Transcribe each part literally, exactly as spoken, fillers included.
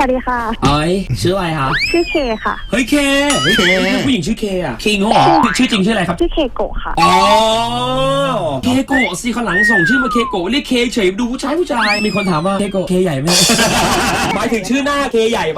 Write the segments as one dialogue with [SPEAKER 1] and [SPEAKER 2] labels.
[SPEAKER 1] วัสดีค่ะ
[SPEAKER 2] เอ้ยชื่ออะไรคะ
[SPEAKER 1] ชื่อเคค่ะ
[SPEAKER 2] เฮ้ยเคเฮ้ยเคผู้หญิงชื่อเคอะเคงเหรอชื่อจริงชื่ออะไรครับ
[SPEAKER 1] ชื่อเคโกะค่ะ
[SPEAKER 2] อ๋อเคโกะสิข้างหลังส่งชื่อมาเคโกะเรียกเคเฉยดูผู้ชายผู้ชายมีคนถามว่าเคโกะเคใหญ่ไหม หมายถึงชื่อหน้าเคใหญ่ไหม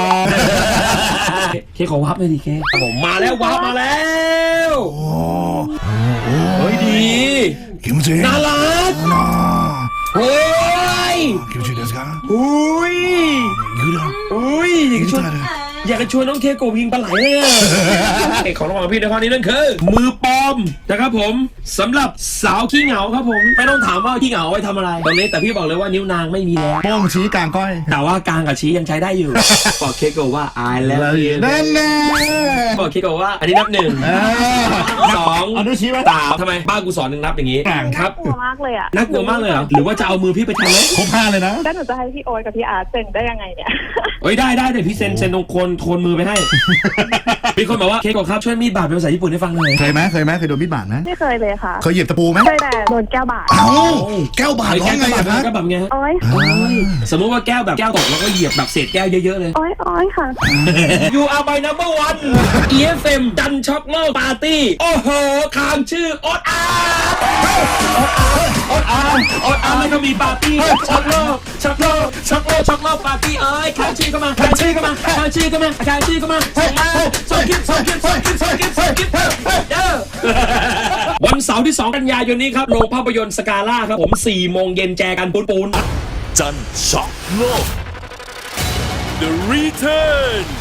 [SPEAKER 2] เคขอวับเลยดิเคผมมาแล้ววับมาแล้วเฮ้ยดีน่ารักเฮ้ยอุ้ยอุ้ยอยากจะชวนอยากจะชวนน้องเคโกะยิงปลาไหลเลยอะเอกของรางวัลพี่ในข้อนี้นั่นคือมือปลอมนะครับผมสำหรับสาวขี้เหงาครับผมไม่ต้องถามว่าขี้เหงาไว้ทำอะไรตรงนี้แต่พี่บอกเลยว่านิ้วนางไม่มีแล้ว
[SPEAKER 3] โป้งชี้กลางก้อย
[SPEAKER 2] แต่ว่ากลางกับชี้ยังใช้ได้อยู่ บอกเคโกะว่า I love you
[SPEAKER 3] นั่นแน่
[SPEAKER 2] บอกเคโกะว่าอันนี้นับหนึ่งสอง
[SPEAKER 3] อนุชี้ไว้
[SPEAKER 2] สามทำไมบ้านกูสอนหนึ่งนับอย่างนี้ครับ
[SPEAKER 1] กลัวมากเลยอ่ะ
[SPEAKER 2] น่ากลัวมากเลยเหรอหรือว่าจะเอามือพี่ไปทำไหม
[SPEAKER 3] ครบห้าเลยนะ
[SPEAKER 1] แล้วหนูจะให้พี่โอ๊ตกับพี่อาร์ตเซ็นได้ยังไงเนี่ย
[SPEAKER 2] เอ้ยได้ได้เดี๋ยวพี่เซ็นเซ็นตรงโคนโคนมือไปให้ มีคนบอกว่าเคโกะครับช่วยมีดบาดเป็นภาษาญี่ปุ่นให้ฟังหน่อย
[SPEAKER 3] เคยไหมเคยไหมเคยโดนมีดบาดไหม
[SPEAKER 1] ไม่เคยเลยค่ะ
[SPEAKER 3] เคยเหยียบตะปูไหม
[SPEAKER 1] เคยแต่โดนแก้วบาด
[SPEAKER 3] เอ้าแก้วบาด
[SPEAKER 2] ไอ้
[SPEAKER 3] ร้อ
[SPEAKER 2] แก้
[SPEAKER 3] ง
[SPEAKER 2] ว
[SPEAKER 3] ไง
[SPEAKER 2] แบบ
[SPEAKER 3] อะ
[SPEAKER 2] นั้น
[SPEAKER 3] คะ
[SPEAKER 2] ก็แบบไง
[SPEAKER 1] โอ๊ย
[SPEAKER 2] โอ้ยสมมติว่าแก้วแบบแก้วตกแล้วก็เหยียบแบบเศษแก้วเยอะๆเลย
[SPEAKER 1] โอ๊ยโอ๊ยค่ะ
[SPEAKER 2] You are my number one อี เอฟ เอ็ม ดันช็อกโลกปาร์ตี้ โอ้โหคางชื่อโอ๊ตอาร์โอ๊ตอาร์โอ๊ตอาร์แล้วก็มีปาร์ตี้ช็อกโลกช็อกโลกช็อกโลกช็อกโลกปาร์ตี้เอ้ยคางชื่อเข้ามาคางชื่อเข้ามาคางชื่อเข้ามาคางชื่อเข้ามาส่งมาส่งคลิปส่งคลิปส่งคลิปส่งคลิปส่งคลิปเด้อวันเสาร์ที่สองกันยายนนี้ครับโรงภาพยนตร์สกาล่าครับผมสี่โมงเย็นแจกันปูนปูน
[SPEAKER 4] จันช็อกโลก The Return